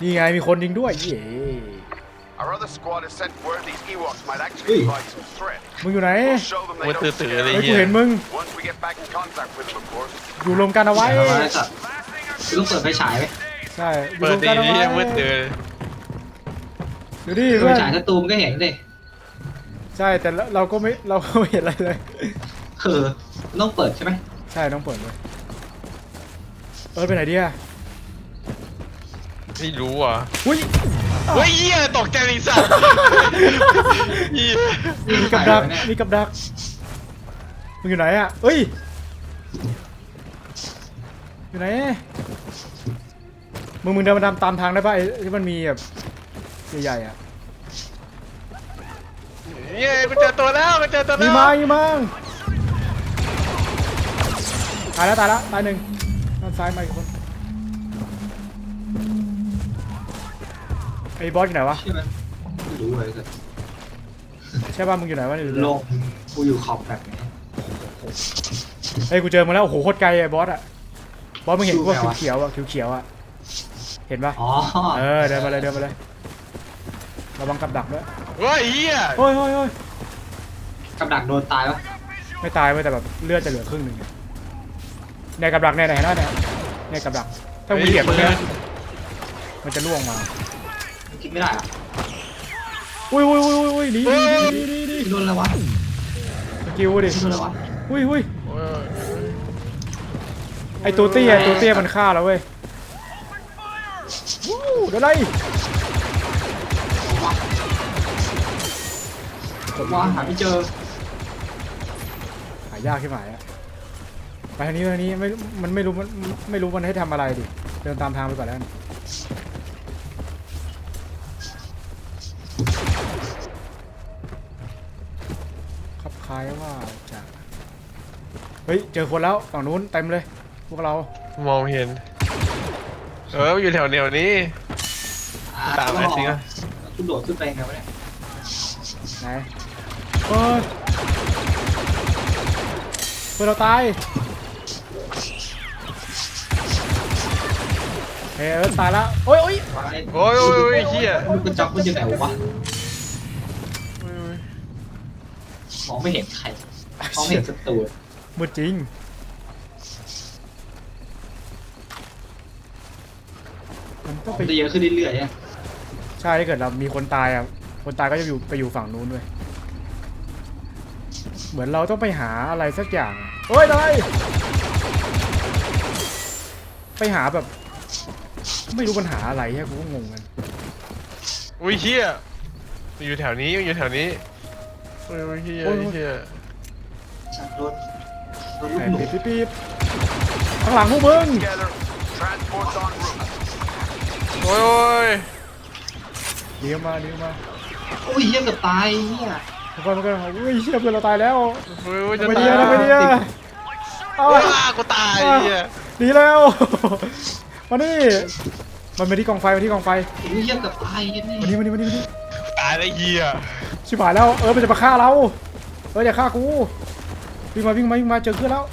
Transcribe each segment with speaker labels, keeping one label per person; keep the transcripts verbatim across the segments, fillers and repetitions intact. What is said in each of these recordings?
Speaker 1: นี่ไงมีคนยิงด้วยเย้มึงอยู่ไหน
Speaker 2: มือตื่นๆเลย
Speaker 1: เฮ้ยกู
Speaker 2: เฮีย
Speaker 1: เห็นมึงอยู่รวมกันเอาไว้
Speaker 3: คือต้องเปิดไฟฉายไหม
Speaker 1: ใช่อยู่
Speaker 2: เปิ
Speaker 1: ร
Speaker 2: ด
Speaker 1: วม
Speaker 2: ดี
Speaker 1: กันเอา
Speaker 2: นี่
Speaker 1: ไว้
Speaker 2: มืดตื่น
Speaker 1: อยู่ดิ
Speaker 3: ไฟ
Speaker 1: เพื่อน
Speaker 3: ฉายถ้าตูมก็เห็นดิ
Speaker 1: ใช่แต่เราก็ไม่เราก็ไม่เห็นอะไรเลย
Speaker 3: คือต้องเปิดใช่ไหม
Speaker 1: ใช่ต้องเปิดเลยเออไปไหนดีอะ
Speaker 2: ไม่รู้อ่ะ
Speaker 1: อุ้ย
Speaker 2: เฮ้ยเฮียตกใจเลยสัตว์เฮีย
Speaker 1: มีกับดักมีกับดักมึงอยู่ไหนอะเอ้ยอยู่ไหนมึงมึงเดินมาตามทางได้ป่ะไอ้ที่มันมีแบบใหญ่ๆอ่ะ
Speaker 2: เย้กูเจอตัวแล้วกูเจอตัวแล้ว
Speaker 1: มีมามีมาตายแล้วตายแล้วตายหนึ่งด้านซ้ายมาอีกคนไอ้บอสอยู่ไหนวะ
Speaker 3: ใช่ไหมไม่รู้เลยกัน
Speaker 1: ใช่ป่ะมึงอยู่ไหนวะเนี่ย
Speaker 3: โลกกูอยู่ขอบแบบนี้
Speaker 1: เฮ้ยกูเจอมึงแล้วโอ้โหโคตรไกลไอ้บอสอะบอสมึงเห็นพวกเขียวๆอะเขียวๆอะเห็นป่ะ
Speaker 3: อ๋อ
Speaker 1: เออเดินมาเลยเดินมาเลยระวังกับดักด้วย
Speaker 2: เฮ้ยเฮีย
Speaker 1: โอ้ยโอ้ยโอ้ย
Speaker 3: กับดักโดนตายวะ
Speaker 1: ไม่ตายเว้ยแต่แบบเลือดจะเหลือครึ่งหนึ่งในกับดักเนี่ยไหนนะเนี่ยในกับดักถ้ามึงเหยียบตรงเนี้ยมันจะล่วงมา
Speaker 3: คิดไม่ได้อะ
Speaker 1: อุ้ยอุ้ยอุ้ยอุ้ยหนีหนีหนีหนีหนี
Speaker 3: โดนอะไรวะ
Speaker 1: สกิลดิ
Speaker 3: โดนอะไรวะ
Speaker 1: อุ้ยอุ้ยไอตัวเตี้ยตัวเตี้ยมันฆ่าแล้วเว้ยวู้เดี๋ยวไร
Speaker 3: ผมว่าหาไม่เจอ
Speaker 1: หายากใช่ไหมอะไปทางนี้ไปทางนี้ไม่มันไม่รู้มันไม่รู้มันให้ทำอะไรดิเดินตามทางไปก่อนแล้วกันขับคล้ายว่าจะเฮ้ยเจอคนแล้วฝั่งนู้นเต็มเลยพวกเรา
Speaker 2: มองเห็นเอออยู่แถวแนวนี้ตามไปสิครับ
Speaker 3: คุณโดดขึ้นไปไงวะเนี่ย
Speaker 1: ไหนเฮ้ยเพื่อนเราตายเฮ้ยเออตายแล้วโอ้ยโอ้ย
Speaker 2: โอ้ยโอ้ยโอ้ยเฮีย
Speaker 3: มันกระจอกมันอยู่ไหนวะมองไม่เห็นใครมองไม่เห็นศัตรู
Speaker 1: มืดจริงมันต้อง
Speaker 3: มั
Speaker 1: ไป
Speaker 3: นจะเยอะขึ้นเรื่อยๆเนี่ย
Speaker 1: ใช่ถ้าเกิดเรามีคนตายอ่ะคนตายก็จะอยู่ไปอยู่ฝั่งนู้นด้วยเหมือนเราต้องไปหาอะไรสักอย่างเฮ้ยอะไรไปหาแบบไม่รู้ปัญหาอะไรแค่กูก็งงกัน
Speaker 2: อุ้ยเฮียอยู่แถวนี้อยู่แถวนี้โอ้ยโอ้ยเฮียเฮีย
Speaker 3: ชักรถรถ
Speaker 1: แห
Speaker 3: ลูกหนู
Speaker 1: มปี๊บปี๊บข้างหลังพวกมึง
Speaker 2: โอ้ยโอ้ย
Speaker 1: เลี้ยวมาเลี้ยวมา
Speaker 3: โอ้ยเฮี้ยกับตายเนี่ย
Speaker 1: ทุกคนทุกคนอุ้ยเชี่ยเพื่อนเราตายแล้ว
Speaker 2: โอ้ยโอ้ยจะ
Speaker 1: ไม่
Speaker 2: ตา
Speaker 1: ดี
Speaker 2: ย
Speaker 1: นะไม่ดีนะเอา
Speaker 2: ว้ากูตายเฮีย
Speaker 1: ดีแล้วมานี่มันไปที่กองไฟมาที่กองไฟ
Speaker 3: โอ้ยเฮี้ยกับตายเนี่ย
Speaker 1: มานี่มานี่มานี่มานี่
Speaker 2: ตายแล้วเฮีย
Speaker 1: ชิบหายแล้วเออมันจะมาฆ่าเราเอออย่าฆ่ากูวิ่งมาวิ่งมาวิ่งมาเจอเพื่อนแล้ว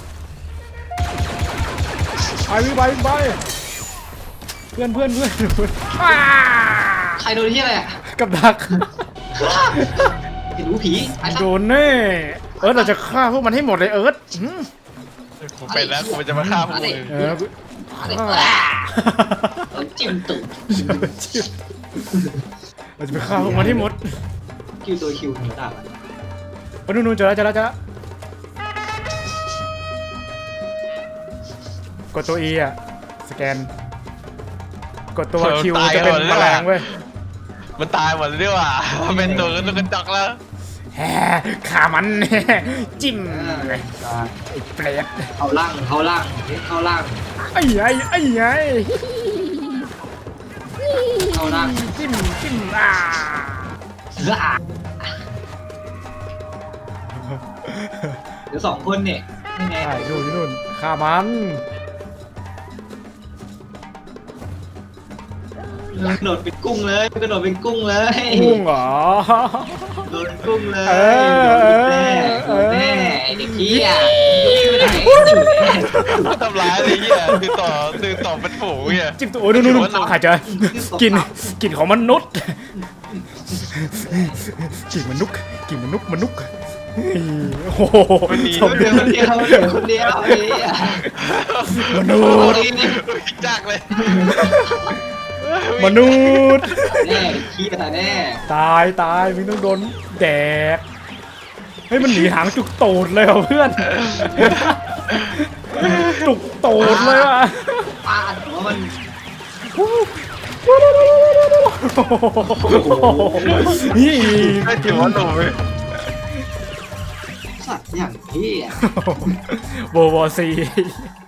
Speaker 1: ไปวิ่งไปวิ่งไปเพื่อนเพื่อนเพื่อนเพื่อน
Speaker 3: ใครโดนที่อะไรอ่ะ
Speaker 1: กับดัก
Speaker 3: เห็นหูผีไอ้สั
Speaker 1: โด
Speaker 3: ส
Speaker 1: นแน่เอิร์ธเราจะฆ่าพวกมันให้หมดเลยเอิร์ธหืม
Speaker 2: กูเป็นแล้วกูจะมาฆ่าพวกมึง
Speaker 1: เออ
Speaker 3: อะไรจิ้มตุ่ม
Speaker 1: เราจะไปฆ่าพวกมันให้หมด
Speaker 3: คิวตัวคิวหนูด่ามัน
Speaker 1: ไปนู่นนู่นเจอแล้วเจอแล้วเจอแล้วกดตัว E อ่ะสแกนกดตัว Q จะเป็นแมลงเว้ย
Speaker 2: มันตายหมดเลยดีกว่ามันเป็นตัวกันตัวกันจอกแล้ว
Speaker 1: แฮ่ขามัน จิ้มเลย
Speaker 3: อ่า
Speaker 1: ไอ้เปรต
Speaker 3: เข้าล่างเข้าล่างเข้าล่าง
Speaker 1: ไอ้ไอ้ไอ้ไง
Speaker 3: เข้าล่าง
Speaker 1: จิ้มจิ้มอ่า
Speaker 3: อ่ะเดี๋ยวสองคนเนี่ยยังไง
Speaker 1: ใช่ดูที่นู่นขามัน
Speaker 3: กระโดดเป็นกุ้งเลยกระโดดเป็นกุ้งเลย
Speaker 1: กุ้งเหรอ
Speaker 3: โดนกุ้งเลย
Speaker 1: เออ
Speaker 3: โดนแน่โดนแน่ไอ้เด็กเหี้ยไม่ได้
Speaker 2: ทำร้ายเลยเฮียคือต่อคือต่อเป็นฝูงเฮีย
Speaker 1: จิ้มตัวโอ้ยนู่นนู่นใครจะกินกินของมนุษย์กินมนุษย์กินมนุษย์มนุษย์โอ้โหชม
Speaker 3: เดียวคนเดียวเดียวคนเดียวไอ้เหี้ย
Speaker 1: มนุษย์
Speaker 2: จักเลย
Speaker 1: มนุษย์
Speaker 3: แน่ขี้ตายแน่
Speaker 1: ตายตายมึงต้องโดนแดกเฮ้ยมันหนีหางจุกโตดเลยว่ะเพื่อนจุกโตดเลยว่ะ
Speaker 3: ปาดหัวมัน
Speaker 1: นี่
Speaker 2: ไม่ถือว่าหนุ่มเลย
Speaker 3: สัตว์อย่างเหี้ย
Speaker 1: โบโบซี